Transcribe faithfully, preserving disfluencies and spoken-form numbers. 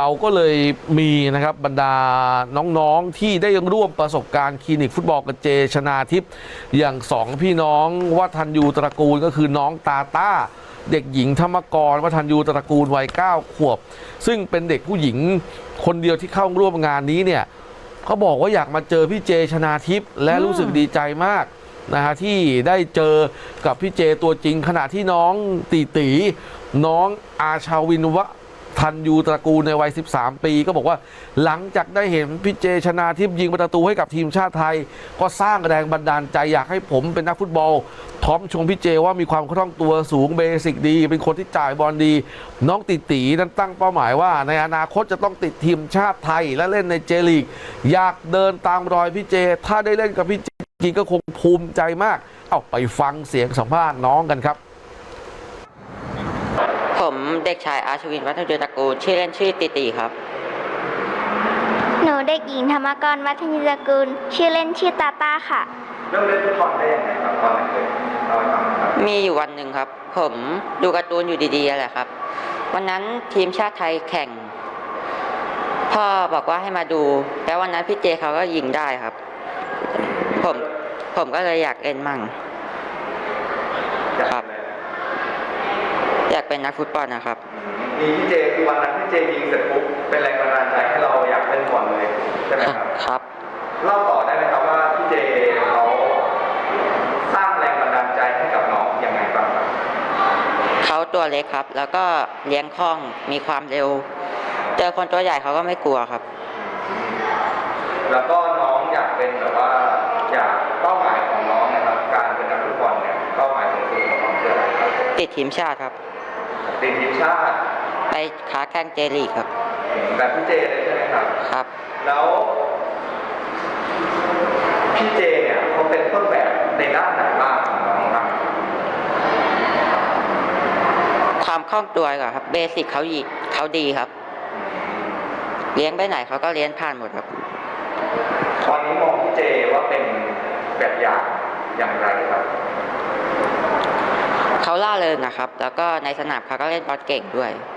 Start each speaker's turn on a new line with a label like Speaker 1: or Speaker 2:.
Speaker 1: เราก็เลยมีนะครับบรรดาน้องๆที่ได้ร่วมประสบการณ์คลินิกฟุตบอลกับเจชนาทิพย์อย่างสองพี่น้องวัฒนยูตระกูลก็คือน้องตาต้าเด็กหญิงธรรมกรวัฒนยูตระกูลวัยเก้าขวบซึ่งเป็นเด็กผู้หญิงคนเดียวที่เข้าร่วมงานนี้เนี่ยเขาบอกว่าอยากมาเจอพี่เจชนาทิพย์และรู้สึกดีใจมากนะฮะที่ได้เจอกับพี่เจตัวจริงขณะที่น้องตีตีน้องอาชาวินวะทันยูตระกูลในวัยสิบสามปีก็บอกว่าหลังจากได้เห็นพี่เจชนาทิพย์ยิงประตูให้กับทีมชาติไทยก็สร้างแรงบันดาลใจอยากให้ผมเป็นนักฟุตบอลพร้อมชมพี่เจว่ามีความคล่องตัวสูงเบสิกดีเป็นคนที่จ่ายบอลดีน้องติตีนั้นตั้งเป้าหมายว่าในอนาคตจะต้องติดทีมชาติไทยและเล่นในเจลีกอยากเดินตามรอยพี่เจถ้าได้เล่นกับพี่เจจริงก็คงภูมิใจมากเอาไปฟังเสียงสัมภาษณ์น้องกันครับ
Speaker 2: ผมเด็กชายอาชวินวัฒนยูตระกูลชื่อเล่นชื่อติติครับ
Speaker 3: หนูเด็กหญิงธรรมกรวัฒนยูตระกูลชื่อเล่นชื่อตาตาค่ะ
Speaker 4: เริ่มเล่นฟุตบอลได้ยังไงครับตอนไหนเคยเล่าให้ฟังครับ
Speaker 2: มีอยู่วันหนึ่งครับผมดูการ์ตูนอยู่ดีๆแหละครับวันนั้นทีมชาติไทยแข่งพ่อบอกว่าให้มาดูแล้ววันนั้นพี่เจเขาก็ยิงได้ครับผมผมก็เลยอยากเล่นมั่งครับอยากเป็นนักฟุตบอลนะครับ
Speaker 4: มีพี่เจคือวันนั้นพี่เจยิงเสร็จปุ๊บเป็นแรงบันดาลใจให้เราอยากเล่นบอลเลยใช่ไหมครับ
Speaker 2: ครับ
Speaker 4: เล่าต่อได้ไหมครับว่าพี่เจเขาสร้างแรงบันดาลใจให้กับน้องยังไงบ้างครับ
Speaker 2: เขาตัวเล็กครับแล้วก็เลี้ยงคล่องมีความเร็วเจอคนตัวใหญ่เขาก็ไม่กลัวครับ
Speaker 4: แล้วก็น้องอยากเป็นแบบว่าอยากเป้าหมายของน้องนะครับการเป็นนักฟุตบอลเนี่ยเป้าหมายสูงสุดของน้องคืออะไรครับ
Speaker 2: ติดทีมชาติครับ
Speaker 4: ติดทีมชาติ
Speaker 2: ไปค้าแข่งเจลีกครับ
Speaker 4: แบบพี่เจเลยใช่ไหมครับ
Speaker 2: ครับ
Speaker 4: แล้วพี่เจเนี่ยเขาเป็นต้นแบบในด้านไหนบ้างของน้องครับ
Speaker 2: ความคล่องตัวก่อนครับเบสิกเขาดีเขาดีครับเลี้ยงไปไหนเขาก็เลี้ยงผ่านหมดครับ
Speaker 4: ตอนนี้มองพี่เจว่าเป็นแบบอย่างอย่างไรครับ
Speaker 2: เขาล่าเริงนะครับแล้วก็ในสนามเขาก็เล่นบอลเก่งด้วย